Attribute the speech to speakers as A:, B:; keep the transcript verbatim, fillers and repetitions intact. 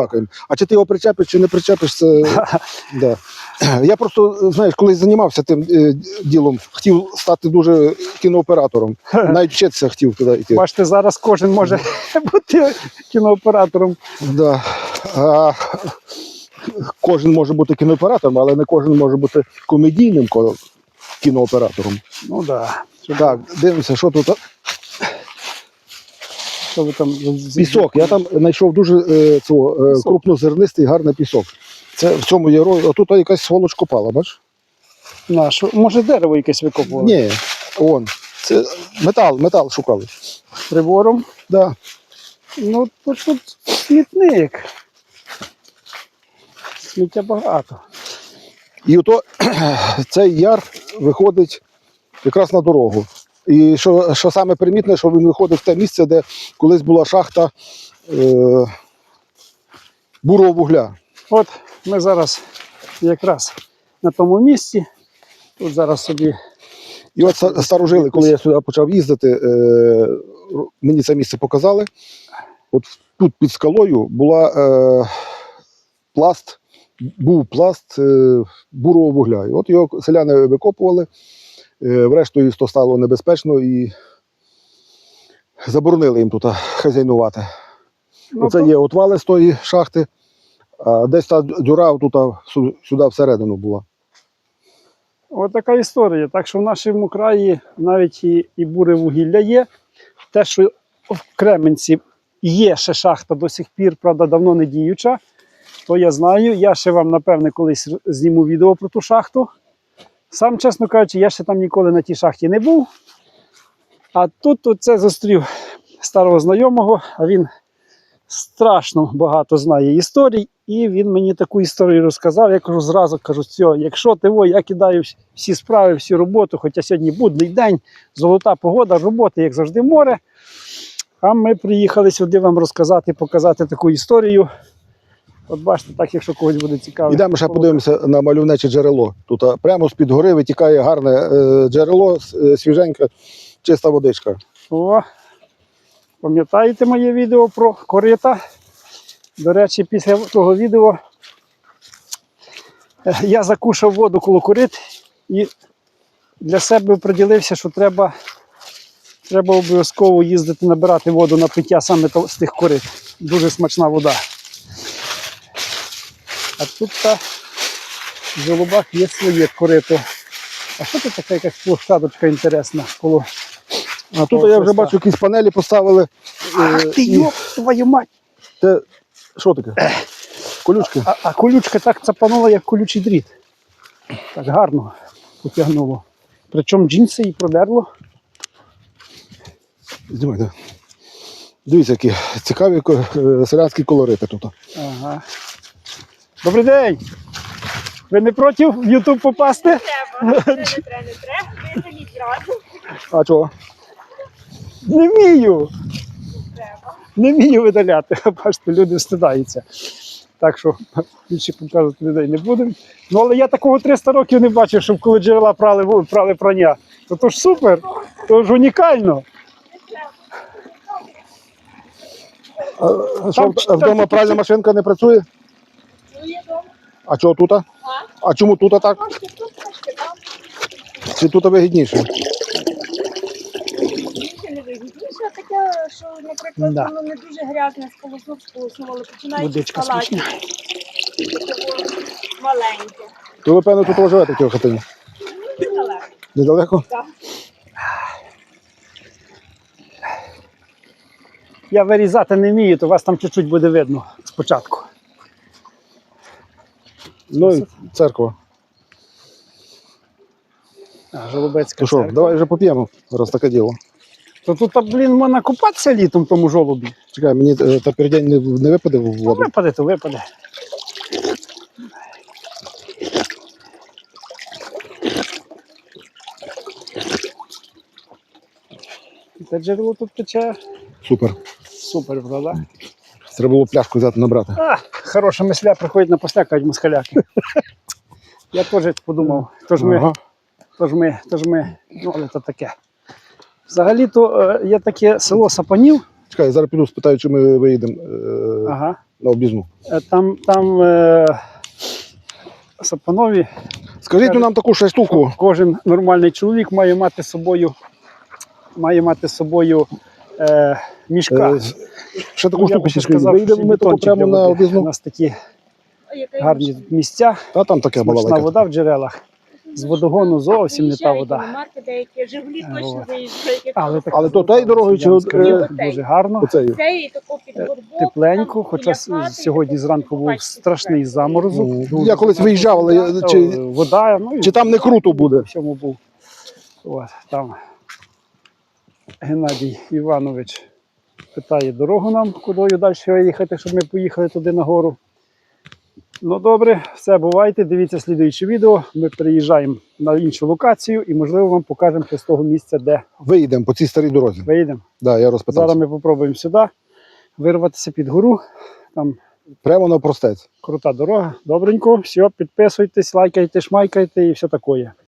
A: побалакаємо. А чи ти його причепиш, чи не причепиш, це... да. Я просто, знаєш, коли займався тим е, ділом, хотів стати дуже кінооператором. Навіть вчитися хотів туди йти.
B: Бачите, зараз кожен може бути кінооператором.
A: Да. А, кожен може бути кінооператором, але не кожен може бути комедійним кінооператором.
B: Ну так. Да.
A: Так, дивимося, що тут.
B: Що ви там?
A: Пісок. Я там знайшов дуже е, цього, е, крупнозернистий гарний пісок. Це в цьому є роль. Отут якась сволоч копала, бачиш?
B: На, що? Може дерево якесь викопували?
A: Ні, вон. Це метал, метал шукали.
B: Прибором?
A: Да.
B: Ну, тут, тут смітник. Сміття багато.
A: І ото цей яр виходить якраз на дорогу. І що, що саме примітне, що він виходить в те місце, де колись була шахта е, бурого вугля.
B: От ми зараз якраз на тому місці. Тут зараз собі.
A: І от старожили, коли я сюди почав їздити, е, мені це місце показали. От тут під скалою була е, пласт, був пласт е, бурого вугля. І от його селяни викопували. Врештою, то стало небезпечно і заборонили їм тут хазяйнувати.
B: Ну,
A: Оце
B: то...
A: є отвали з тої шахти, а десь та дюра тут, сюди всередину була.
B: Ось така історія. Так що в нашому краї навіть і, і буре вугілля є. Те, що в Кременці є ще шахта до сих пір, правда, давно не діюча, то я знаю. Я ще вам, напевне, колись зніму відео про ту шахту. Сам, чесно кажучи, я ще там ніколи на тій шахті не був. А тут оце зустрів старого знайомого, а він страшно багато знає історій. І він мені таку історію розказав. Я кажу зразу, кажу, все, якщо ти, во, я кидаю всі справи, всю роботу, хоча сьогодні будний день, золота погода, роботи, як завжди, море. А ми приїхали сюди вам розказати, показати таку історію. От бачите, так, якщо когось буде цікаво.
A: Ідемо ще подивимося на мальовниче джерело. Тут прямо з-під гори витікає гарне е, джерело, е, свіженька, чиста водичка.
B: О, пам'ятаєте моє відео про корита? До речі, після того відео я закушав воду коло корит і для себе приділився, що треба, треба обов'язково їздити набирати воду на пиття саме з тих корит. Дуже смачна вода. А тут та в Жолобах є своє корито. А що тут така якась площадочка інтересна? Коло...
A: А тут я вже бачу, якісь панелі поставили.
B: Ах ти,
A: і...
B: йоп, твою мать!
A: Це що таке? Колючки?
B: А, а колючка так цапанула, як колючий дріт. Так гарно потягнуло. Причому джинси і продерло.
A: Знімайте. Дивіться, які цікаві селянські колорити тут.
B: Ага. Добрий день! Ви не проти в Ютуб попасти?
C: Не треба, не треба, не треба, видаліть зразу.
A: А чого?
B: Не вмію!
C: Треба.
B: Не вмію видаляти. Бачите, люди встидаються. Так що більше показувати людей не будемо. Ну, але я такого триста років не бачив, щоб коли джерела прали, прали прання. То, то ж супер, то ж унікально.
A: А, а що, а вдома пральна машинка не працює?
C: Ну, є дома.
A: А чого тут? А, а чому тут так?
C: Трошки тут, трошки там.
A: Чи тут вигідніше?
C: Більше не вигідніше таке, що, наприклад,
B: Да.
C: воно не дуже грязне, сполоснув, сполоснув, але починаючи з
B: Водичка
C: палаті.
B: смачна.
C: Маленьке.
A: То ви, певно, тут живете в цій хатині?
C: Недалеко.
A: Недалеко?
C: Так.
B: Я вирізати не вмію, то вас там чуть-чуть буде видно спочатку.
A: Ну, і церква.
B: А, Жолобецька
A: То що,
B: церква.
A: давай вже поп'ємо, раз таке діло.
B: То тут, блін, можна купатися літом в тому жолобі.
A: Чекай, мені е, та пердень не, не випаде в
B: Ну,
A: воду.
B: випаде, то випаде. Те джерело тут тече.
A: Супер.
B: Супер, правда?
A: Треба було пляшку взяти набрати.
B: А, хороша мисля приходить на посля, кажуть москаляки. Я теж подумав, тож ми,
A: Ага.
B: тож ми, тож ми, ну, але то таке. Взагалі-то е, є таке село Сапанів,
A: Чекай, я зараз піду спитаю, чи ми виїдемо е,
B: Ага.
A: на об'їзну.
B: Е, Там, там е, Сапанові,
A: Скажіть ну, нам таку ще штуку.
B: кожен нормальний чоловік має мати з собою, має мати з собою е, мішка.
A: Е, ще таку
B: Ну, я
A: штуку
B: би ще
A: підскажіть.
B: сказав,
A: Виїдемо
B: що
A: ми таку
B: бетончик
A: прямо
B: для
A: на
B: води. У
A: об'їзну.
B: нас такі
C: А яка я
B: гарні місця,
A: Та там таке
B: смачна
A: балалайка.
B: вода в джерелах. З водогону зовсім не та вода.
C: Марки деякі, Жигулі
B: А,
C: точно
B: от.
C: заїжджають. як
B: Але,
C: то.
B: так,
A: Але то тією дорогою чи от,
B: Скажу,
A: е,
B: дуже гарно.
A: Оцею.
C: Це і тако під горбок,
B: Тепленько,
C: там,
B: хоча
C: біля
B: с-
C: хати,
B: сьогодні
C: тако
B: зранку був
C: побачите,
B: страшний
C: зверху.
B: заморозок.
A: Ну,
B: Дуже
A: я колись виїжджав, але я-
B: О,
A: чи,
B: вода, ну, і
A: чи там не круто буде?
B: в всьому був. От, там Геннадій Іванович питає дорогу нам, кудою далі їхати, щоб ми поїхали туди нагору. Ну добре, все, бувайте. Дивіться слідуюче відео. Ми переїжджаємо на іншу локацію і, можливо, вам покажемо з того місця, де
A: Виїдемо по цій старій дорозі.
B: виїдемо.
A: Да, я розпитався.
B: Зараз ми спробуємо сюди вирватися під гору. Там
A: Прямо на простець.
B: крута дорога. Добренько. Все, підписуйтесь, лайкайте, шмайкайте і все таке.